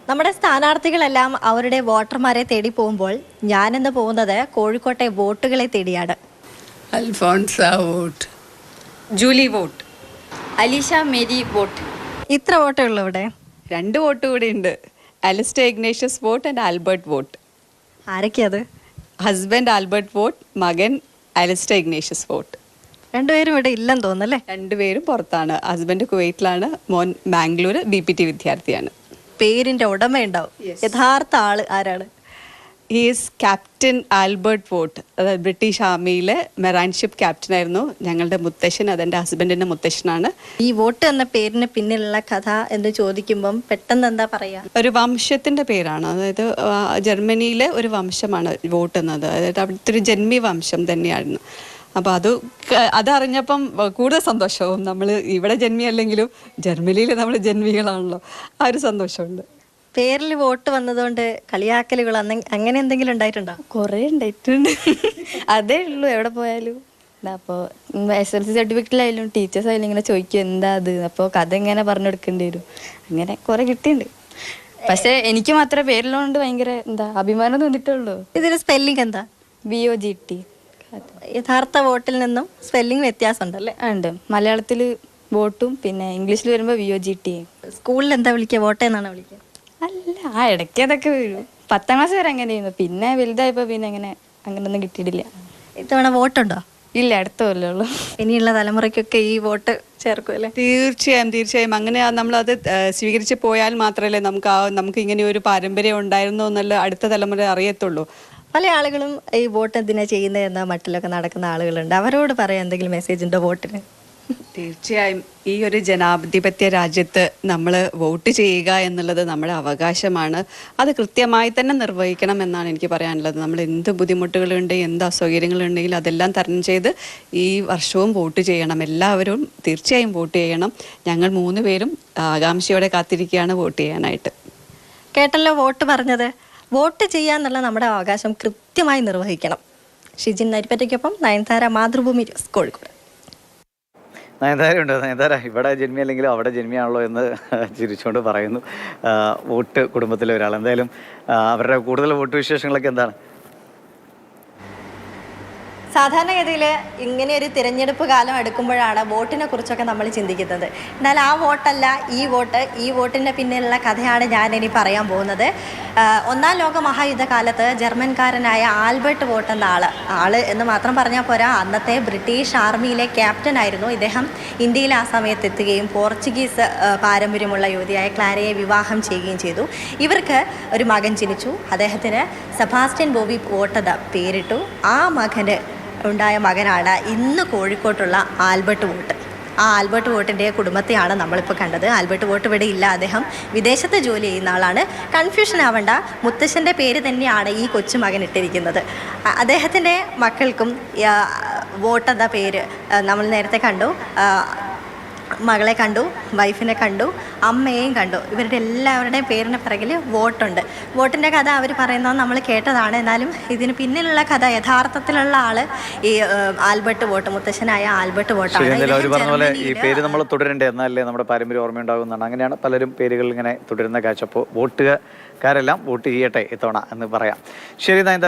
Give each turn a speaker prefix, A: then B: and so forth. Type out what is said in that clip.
A: നമ്മുടെ സ്ഥാനാർത്ഥികളെല്ലാം അവരുടെ വോട്ടർമാരെ തേടി പോകുമ്പോൾ ഞാനിന്ന് പോകുന്നത് കോഴിക്കോട്ടെ വോട്ടുകളെ തേടിയാണ്.
B: Alphonsa Vote,
C: Julie Vote, Alisha Mary Vote.
A: ഇത്ര വോട്ടേ ഉള്ളൂ ഇവിടെ.
C: 2 വോട്ട് കൂടി ഉണ്ട്. Alistair Ignatius Vote and Albert Vote.
A: ആരൊക്കെയത്?
C: ഹസ്ബൻഡ് ആൽബർട്ട് വോട്ട്, മകൻ അലിസ്റ്റർ ഇഗ്നേഷ്യസ് വോട്ട്.
A: രണ്ടുപേരും ഇവിടെ ഇല്ലെന്ന് തോന്നുന്നല്ലേ?
C: രണ്ടുപേരും പുറത്താണ്. ഹസ്ബൻഡ് കുവൈറ്റിലാണ്, മോൻ ബാംഗ്ലൂർ BPT വിദ്യാർത്ഥിയാണ്.
A: പേരിന്റെ ഉടമയുണ്ടാവും. യഥാർത്ഥ ആള് ആരാണ്?
C: Is captain Albert Vote. അതായത് ബ്രിട്ടീഷ് ആർമിയിലെ മെറൈൻ ഷിപ്പ് ക്യാപ്റ്റൻ ആയിരുന്നു ഞങ്ങളുടെ മുത്തശ്ശൻ. അതെൻ്റെ ഹസ്ബൻഡിൻ്റെ മുത്തശ്ശനാണ്.
A: ഈ വോട്ട് എന്ന പേരിന് പിന്നിലുള്ള കഥ എന്ന് ചോദിക്കുമ്പം പെട്ടെന്ന് എന്താ പറയാ?
C: ഒരു വംശത്തിൻ്റെ പേരാണ്. അതായത് ജർമ്മനിയിലെ ഒരു വംശമാണ് വോട്ട് എന്നത്. അതായത് അവിടുത്തെ ഒരു ജന്മി വംശം തന്നെയായിരുന്നു. അപ്പോൾ അതറിഞ്ഞപ്പം കൂടുതൽ സന്തോഷവും. നമ്മൾ ഇവിടെ ജന്മിയല്ലെങ്കിലും ജർമ്മനിയിൽ നമ്മൾ ജന്മികളാണല്ലോ, ആ ഒരു സന്തോഷമുണ്ട്.
A: പേരിൽ വോട്ട് വന്നതുകൊണ്ട് കളിയാക്കലുകൾ അങ്ങനെ എന്തെങ്കിലും ഉണ്ടായിട്ടുണ്ടോ?
D: കുറേ ഉണ്ടായിട്ടുണ്ട്. അതേ ഉള്ളൂ എവിടെ പോയാലും. അപ്പോൾ SLC സർട്ടിഫിക്കറ്റിലായാലും ടീച്ചേഴ്സായാലും ഇങ്ങനെ ചോദിക്കും എന്താ അത്, അപ്പോൾ കഥ ഇങ്ങനെ പറഞ്ഞു കൊടുക്കേണ്ടി വരും. അങ്ങനെ കുറേ കിട്ടിയിട്ടുണ്ട്. പക്ഷേ എനിക്ക് മാത്രമേ പേരിലുകൊണ്ട് ഭയങ്കര അഭിമാനം തോന്നിയിട്ടുള്ളൂ.
A: ഇതിന് സ്പെല്ലിംഗ് എന്താ?
D: VOGT.
A: യഥാർത്ഥ വോട്ടിൽ നിന്നും സ്പെല്ലിംഗ് വ്യത്യാസം ഉണ്ടല്ലേ?
D: ഉണ്ട്. മലയാളത്തിൽ വോട്ടും പിന്നെ ഇംഗ്ലീഷിൽ വരുമ്പോൾ VOGT.
A: സ്കൂളിൽ എന്താ വിളിക്കുക? വോട്ടെന്നാണോ വിളിക്കുക?
D: അല്ല, ഇടയ്ക്ക് അതൊക്കെ വരും. 10ാം ക്ലാസ് വരെ അങ്ങനെയായിരുന്നു. പിന്നെ വലുതായപ്പോൾ പിന്നെ അങ്ങനെയൊന്നും കിട്ടിയിട്ടില്ല.
A: ഇത്തവണ വോട്ടുണ്ടോ?
D: ഇല്ല, അടുത്ത കൊല്ലമുള്ളൂ.
A: ഇനിയുള്ള തലമുറയ്ക്കൊക്കെ ഈ വോട്ട് ചേർക്കും അല്ലേ?
C: തീർച്ചയായും അങ്ങനെ നമ്മളത് സ്വീകരിച്ച് പോയാൽ മാത്രമല്ലേ നമുക്ക് ഇങ്ങനെ ഒരു പാരമ്പര്യം ഉണ്ടായിരുന്നു എന്നുള്ള അടുത്ത തലമുറ അറിയത്തുള്ളൂ.
A: പല ആളുകളും ഈ വോട്ട് എന്തിനാ ചെയ്യുന്നത് എന്ന മട്ടിലൊക്കെ നടക്കുന്ന ആളുകളുണ്ട്. അവരോട് പറയാൻ എന്തെങ്കിലും മെസ്സേജ് ഉണ്ടോ വോട്ടിന്?
C: തീർച്ചയായും ഈ ഒരു ജനാധിപത്യ രാജ്യത്ത് നമ്മൾ വോട്ട് ചെയ്യുക എന്നുള്ളത് നമ്മുടെ അവകാശമാണ്. അത് കൃത്യമായി തന്നെ നിർവഹിക്കണം എന്നാണ് എനിക്ക് പറയാനുള്ളത്. നമ്മൾ എന്ത് ബുദ്ധിമുട്ടുകളുണ്ട്, എന്ത് അസൗകര്യങ്ങളുണ്ടെങ്കിലും അതെല്ലാം തരണം ചെയ്ത് ഈ വർഷവും വോട്ട് ചെയ്യണം. എല്ലാവരും തീർച്ചയായും വോട്ട് ചെയ്യണം. ഞങ്ങൾ 3 പേരും ആകാംക്ഷയോടെ കാത്തിരിക്കുകയാണ് വോട്ട് ചെയ്യാനായിട്ട്.
A: കേട്ടല്ലോ വോട്ട് പറഞ്ഞത്. വോട്ട് ചെയ്യാന്നുള്ള നമ്മുടെ അവകാശം കൃത്യമായി നിർവഹിക്കണം. ഷിജിൻ നരിപ്പറ്റയ്ക്കൊപ്പം നയൻതാര, മാതൃഭൂമി ന്യൂസ്, കോഴിക്കോട്.
E: നയൻതാരയുണ്ട്. നയൻതാര ഇവിടെ ജന്മി അല്ലെങ്കിലും അവിടെ ജന്മിയാണല്ലോ എന്ന് ചിരിച്ചുകൊണ്ട് പറയുന്നു വോട്ട് കുടുംബത്തിലെ ഒരാൾ. എന്തായാലും അവരുടെ കൂടുതൽ വോട്ട് വിശേഷങ്ങളൊക്കെ എന്താണ്?
A: സാധാരണഗതിയിൽ ഇങ്ങനെ ഒരു തിരഞ്ഞെടുപ്പ് കാലം എടുക്കുമ്പോഴാണ് വോട്ടിനെ കുറിച്ചൊക്കെ നമ്മൾ ചിന്തിക്കുന്നത്. എന്നാൽ ആ വോട്ടല്ല ഈ വോട്ടിൻ്റെ പിന്നിലുള്ള കഥയാണ് ഞാനിനി പറയാൻ പോകുന്നത്. 1ാം ലോക മഹായുദ്ധകാലത്ത് ജർമ്മൻകാരനായ ആൽബർട്ട് വോട്ട് എന്ന ആള് എന്ന് മാത്രം പറഞ്ഞാൽ പോരാ, അന്നത്തെ ബ്രിട്ടീഷ് ആർമിയിലെ ക്യാപ്റ്റൻ ആയിരുന്നു ഇദ്ദേഹം. ഇന്ത്യയിൽ ആ സമയത്ത് എത്തുകയും പോർച്ചുഗീസ് പാരമ്പര്യമുള്ള യുവതിയായ ക്ലാരയെ വിവാഹം ചെയ്യുകയും ചെയ്തു. ഇവർക്ക് ഒരു മകൻ ജനിച്ചു. അദ്ദേഹത്തിന് സെബാസ്റ്റ്യൻ ബോബി വോട്ട് എന്ന പേരിട്ടു. ആ മകന് ഉണ്ടായ മകനാണ് ഇന്ന് കോഴിക്കോട്ടുള്ള ആൽബർട്ട് വോട്ട്. ആ ആൽബർട്ട് വോട്ടിൻ്റെ കുടുംബത്തെയാണ് നമ്മളിപ്പോൾ കണ്ടത്. ആൽബർട്ട് വോട്ട് ഇവിടെ ഇല്ല, അദ്ദേഹം വിദേശത്ത് ജോലി ചെയ്യുന്ന ആളാണ്. കൺഫ്യൂഷൻ ആവണ്ട, മുത്തശ്ശൻ്റെ പേര് തന്നെയാണ് ഈ കൊച്ചുമകൻ ഇട്ടിരിക്കുന്നത്. അദ്ദേഹത്തിൻ്റെ മക്കൾക്കും വോട്ട് എന്ന പേര് നമ്മൾ നേരത്തെ കണ്ടു. മകളെ കണ്ടു, വൈഫിനെ കണ്ടു, അമ്മയെയും കണ്ടു. ഇവരുടെ എല്ലാവരുടെയും പേരിന് പിറകിൽ വോട്ടുണ്ട്. വോട്ടിൻ്റെ കഥ അവർ പറയുന്നത് നമ്മൾ കേട്ടതാണ്. എന്നാലും ഇതിന് പിന്നിലുള്ള കഥ, യഥാർത്ഥത്തിലുള്ള ആള് ഈ ആൽബർട്ട് വോട്ട്, മുത്തശ്ശനായ ആൽബർട്ട് വോട്ടാണ്.
E: അവർ പറഞ്ഞ പോലെ ഈ പേര് നമ്മൾ തുടരണ്ടേ, എന്നാലേ നമ്മുടെ പാരമ്പര്യം ഓർമ്മയുണ്ടാകുന്നതാണ്. അങ്ങനെയാണ് പലരും പേരുകൾ ഇങ്ങനെ തുടരുന്ന കാഴ്ച. അപ്പോൾ വോട്ടുകാരെല്ലാം വോട്ട് ചെയ്യട്ടെ ഇത്തവണ എന്ന് പറയാം. ശരി നയൻതാര.